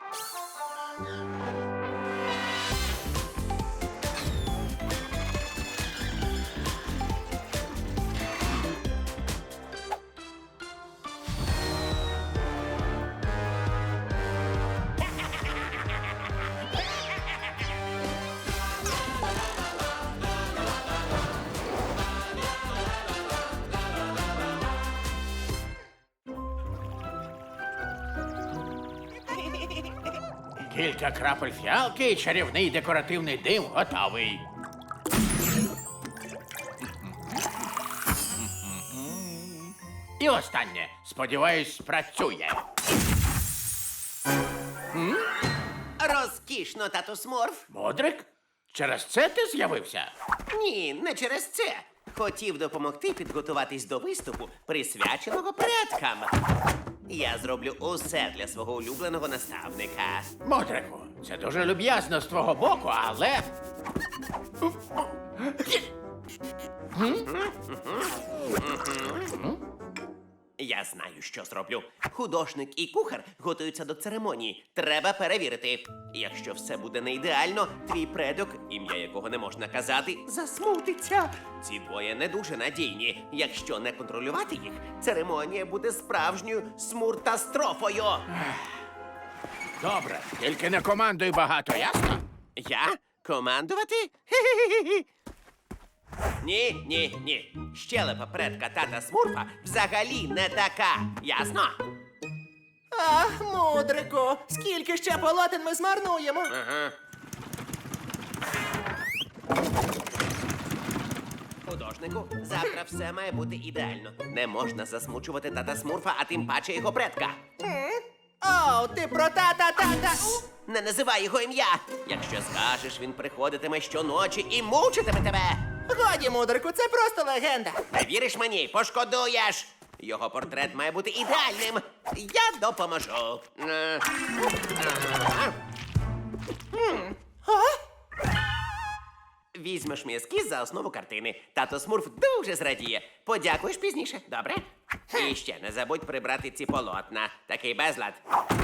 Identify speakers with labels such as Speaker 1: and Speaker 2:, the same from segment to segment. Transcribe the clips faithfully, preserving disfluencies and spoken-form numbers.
Speaker 1: Кілька крапель фіалки і чарівний декоративний дим готовий. І останнє. Сподіваюсь, спрацює.
Speaker 2: Розкішно, тату Смурф.
Speaker 1: Модрик? Через це ти з'явився?
Speaker 2: Ні, не через це. Хотів допомогти підготуватись до виступу, присвяченого предкам. Я зроблю усе для свого улюбленого наставника.
Speaker 1: Модрику, це дуже люб'язно з твого боку, але...
Speaker 2: Я знаю, що зроблю. Художник і кухар готуються до церемонії. Треба перевірити. Якщо все буде не ідеально, твій предок, ім'я якого не можна казати, засмутиться. Ці двоє не дуже надійні. Якщо не контролювати їх, церемонія буде справжньою смуртастрофою.
Speaker 1: Добре, тільки не командуй багато, ясно?
Speaker 2: Я? Командувати? Хе-хе-хе-хе. Ні, ні, ні. Щелепа предка тата Смурфа взагалі не така. Ясно?
Speaker 3: Ах, мудрику, скільки ще полотен ми змарнуємо?
Speaker 2: Ага. Художнику, завтра все має бути ідеально. Не можна засмучувати тата Смурфа, а тим паче його предка.
Speaker 3: О, ти про тата-тата.
Speaker 2: Не називай його ім'я. Якщо скажеш, він приходитиме щоночі і мучитиме тебе.
Speaker 3: Годі, мудрику, це просто легенда.
Speaker 2: Не віриш мені, пошкодуєш. Його портрет має бути ідеальним. Я допоможу. Е, ага. Візьмеш мій ескіз за основу картини. Тато Смурф дуже зрадіє. Подякуєш пізніше, добре? І ще не забудь прибрати ці полотна. Такий безлад.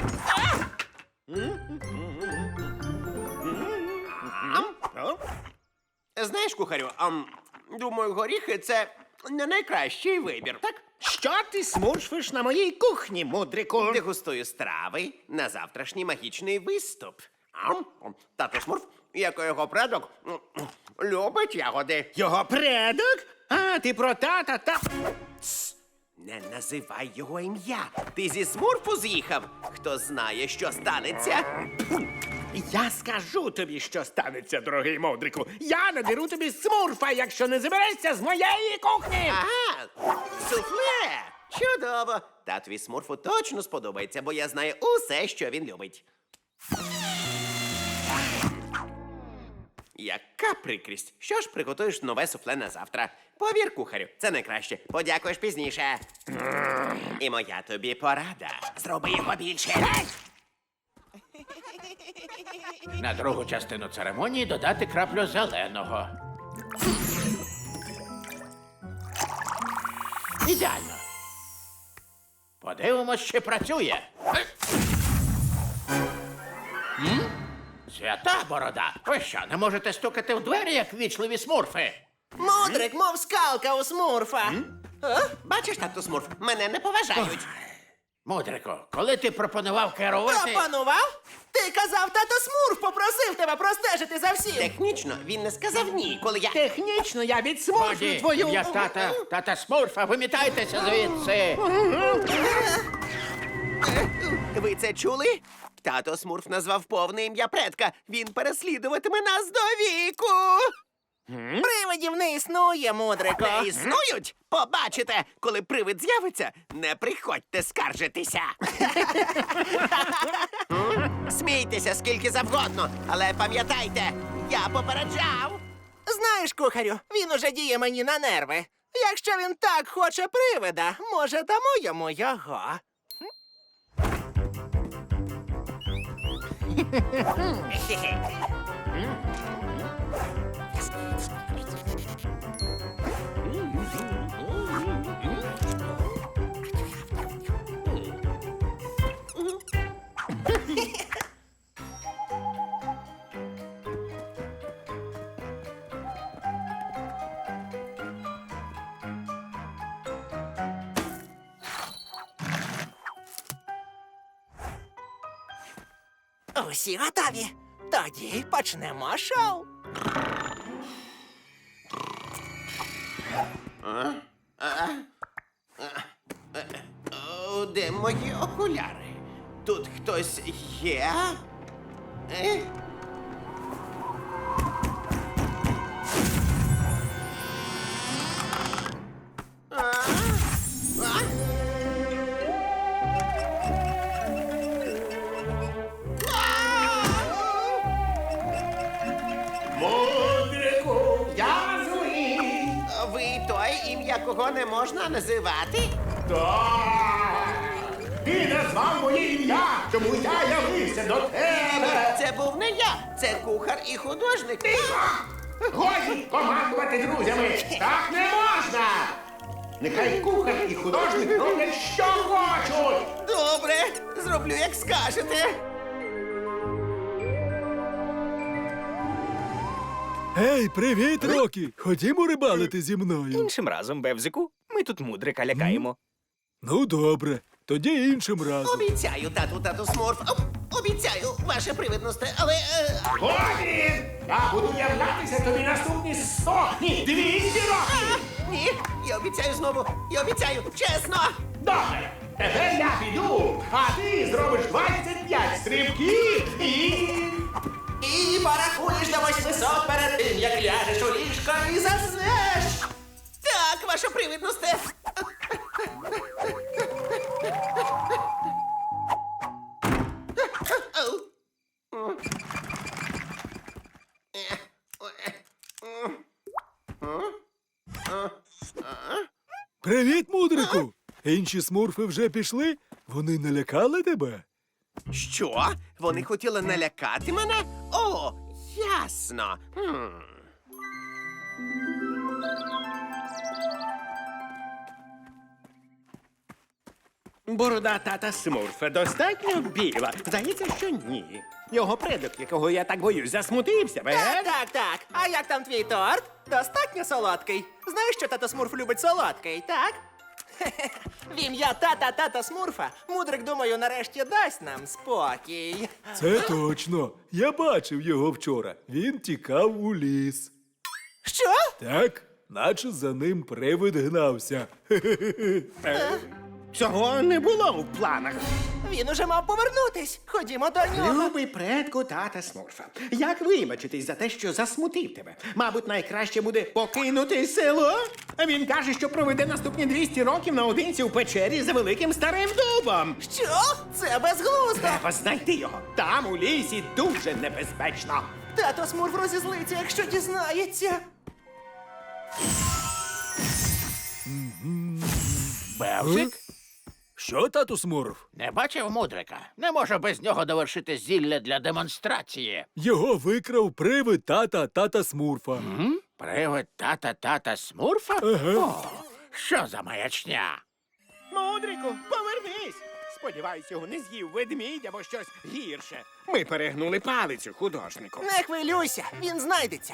Speaker 2: Знаєш, кухарю, ам, думаю, горіхи – це не найкращий вибір, так?
Speaker 4: Що ти смурфиш на моїй кухні, мудрику?
Speaker 2: Дегустую страви на завтрашній магічний виступ. Ам, Тато Смурф, як і його предок, м, любить ягоди.
Speaker 4: Його предок? А, ти про тата та...
Speaker 2: Не називай його ім'я. Ти зі Смурфу з'їхав. Хто знає, що станеться?
Speaker 4: Я скажу тобі, що станеться, дорогий мудрику. Я надеру тобі смурфа, якщо не заберешся з моєї кухні.
Speaker 2: Ага, суфле! Чудово! Татові Смурфу точно сподобається, бо я знаю усе, що він любить. Яка прикрість! Що ж приготуєш нове суфле на завтра? Повір, кухарю, це найкраще. Подякуєш пізніше. І моя тобі порада. Зроби його більше.
Speaker 1: На другу частину церемонії додати краплю зеленого. Ідеально. Подивимось, чи працює. М? Свята борода. Ви що, не можете стукати в двері, як вічливі смурфи?
Speaker 3: Мудрик, мов скалка у смурфа. А?
Speaker 2: Бачиш, тату Смурф, мене не поважають.
Speaker 1: Мудрику, коли ти пропонував керувати...
Speaker 3: Пропонував? Ти казав, тато Смурф попросив тебе простежити за всім.
Speaker 2: Технічно він не сказав ні, коли я...
Speaker 4: Технічно я відсмурфлю
Speaker 1: Годі,
Speaker 4: твою...
Speaker 1: я тата, тата Смурфа, вимітайтеся звідси.
Speaker 2: Ви це чули? Тато Смурф назвав повне ім'я предка. Він переслідуватиме нас до віку.
Speaker 3: Привидів не існує, мудрику.
Speaker 2: Не існують? Побачите, коли привид з'явиться, не приходьте скаржитися. Смійтеся скільки завгодно, але пам'ятайте, я попереджав.
Speaker 3: Знаєш, кухарю, він уже діє мені на нерви. Якщо він так хоче привида, може, дамо йому його. Усі готові. Тоді почнемо шоу.
Speaker 2: О, де мої окуляри? Тут хтось є? Е? А? А?
Speaker 4: Мудрику, я злий.
Speaker 2: Ви той, ім'я кого не можна називати?
Speaker 4: Так. Ти назвав моє ім'я, чому я явився до тебе.
Speaker 2: Це був не я, це кухар і художник.
Speaker 4: Годі командувати друзями. Так не можна. Нехай кухар і художник роблять, що хочуть.
Speaker 2: Добре, зроблю, як скажете.
Speaker 5: Ей, привіт, Рокі! Ходімо рибалити зі мною.
Speaker 6: Іншим разом, Бевзику, ми тут мудрика лякаємо.
Speaker 5: Ну, добре, тоді іншим разом.
Speaker 2: Обіцяю, тату, тату Смурф. Об- Обіцяю, ваше привидносте, але. Е...
Speaker 4: Годі! Я буду являтися тобі наступні сто, ні, двісті років.
Speaker 2: а, Ні, я обіцяю знову, я обіцяю, чесно.
Speaker 4: Добре, тепер я піду, а ти зробиш двадцять п'ять стрибків і...
Speaker 3: І порахуєш до восьмисот перед тим, як ляжеш у ліжко і заснеш.
Speaker 2: Так, ваше привидносте.
Speaker 5: Привіт, мудрику! Інші смурфи вже пішли? Вони налякали тебе?
Speaker 2: Що? Вони хотіли налякати мене? О, ясно. Хм.
Speaker 4: Борода тата Смурфа достатньо біла. Здається, що ні. Його предок, якого я так боюсь, засмутився,
Speaker 3: Так,
Speaker 4: бе?
Speaker 3: так, так. А як там твій торт? Достатньо солодкий. Знаєш, що тато Смурф любить солодкий, так? Хе-хе. В ім'я тата тата Смурфа мудрик, думаю, нарешті дасть нам спокій.
Speaker 5: Це точно. Я бачив його вчора. Він тікав у ліс.
Speaker 3: Що?
Speaker 5: Так, наче за ним привид гнався.
Speaker 4: Цього не було в планах.
Speaker 3: Він уже мав повернутись. Ходімо до нього.
Speaker 4: Любий предку тата Смурфа, як вибачитись за те, що засмутив тебе? Мабуть, найкраще буде покинути село. А він каже, що проведе наступні двісті років наодинці у печері за великим старим дубом.
Speaker 3: Що? Це безглуздо.
Speaker 4: Треба знайти його. Там у лісі дуже небезпечно.
Speaker 3: Тато Смурф розізлиться, якщо дізнається.
Speaker 1: Бевзик?
Speaker 5: Що, тату Смурф?
Speaker 1: Не бачив мудрика? Не можу без нього довершити зілля для демонстрації.
Speaker 5: Його викрав привид тата тата Смурфа.
Speaker 1: М? Привид тата тата Смурфа?
Speaker 5: Ага.
Speaker 1: О, що за маячня?
Speaker 4: Мудрику, повернись! Сподіваюсь, його не з'їв ведмідь або щось гірше. Ми перегнули палицю художнику.
Speaker 3: Не хвилюйся, він знайдеться.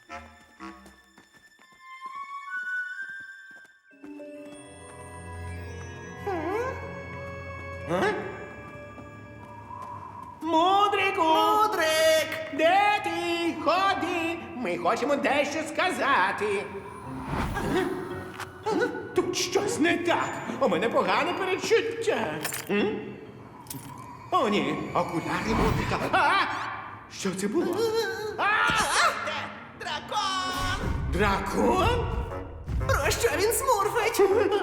Speaker 4: Мудрику!
Speaker 3: Мудрик!
Speaker 4: Де ти? Ходи! Ми хочемо дещо сказати. Тут щось не так. У мене погане перечуття. М? О, ні, окуляри мудрика. А! Що це було? А!
Speaker 2: Дракон!
Speaker 4: Дракон?
Speaker 3: Про що він смурфить?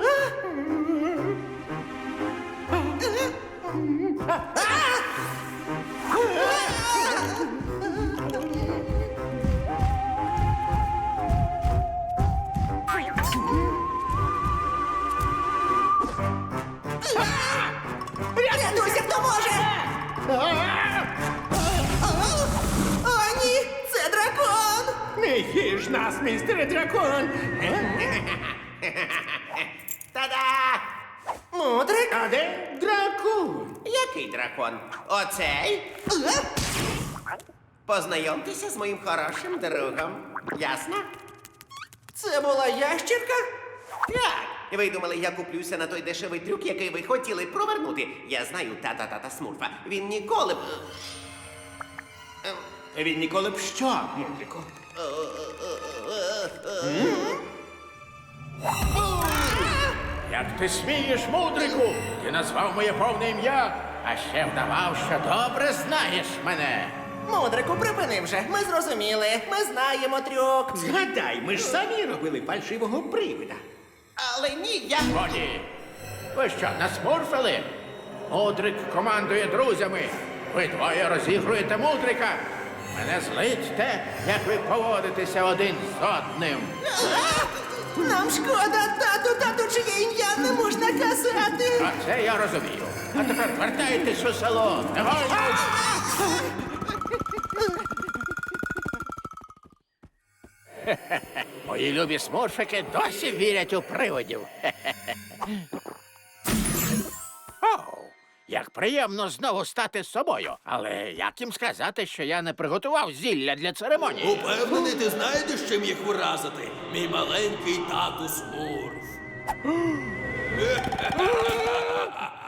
Speaker 3: Рятуйся, хто може! О, ні, це дракон!
Speaker 4: Не їж нас, містере дракон!
Speaker 2: Та-да!
Speaker 3: Мудрик?
Speaker 4: А де дракон?
Speaker 2: Який дракон? Оцей? Познайомтеся з моїм хорошим другом. Ясно?
Speaker 3: Це була ящірка?
Speaker 2: Так. Ви думали, я куплюся на той дешевий трюк, який ви хотіли провернути. Я знаю тата-тата Смурфа. Він ніколи б...
Speaker 4: Він ніколи б що, мудрику?
Speaker 1: Як ти смієш, мудрику? Ти назвав моє повне ім'я, а ще вдавав, що добре знаєш мене.
Speaker 3: Мудрику, припини вже. Ми зрозуміли. Ми знаємо трюк.
Speaker 4: Згадай, ми ж самі робили фальшивого привида.
Speaker 3: Але ні, я.
Speaker 1: Годі. Ви що, насмурфили? Мудрик командує друзями. Ви двоє розігруєте мудрика. Мене злить те, як ви поводитеся один з одним.
Speaker 3: Нам шкода, тату, тату, чиє ім'я не можна казати.
Speaker 1: А це я розумію. А тепер вертайтесь у село. Негайно! Хе-хе-хе. Мої любі смурфики досі вірять у привидів. Хе-хе-хе. Оу, як приємно знову стати собою. Але як їм сказати, що я не приготував зілля для церемонії?
Speaker 7: Упевнений, ти знайдеш, чим їх уразити, мій маленький тату Смурф.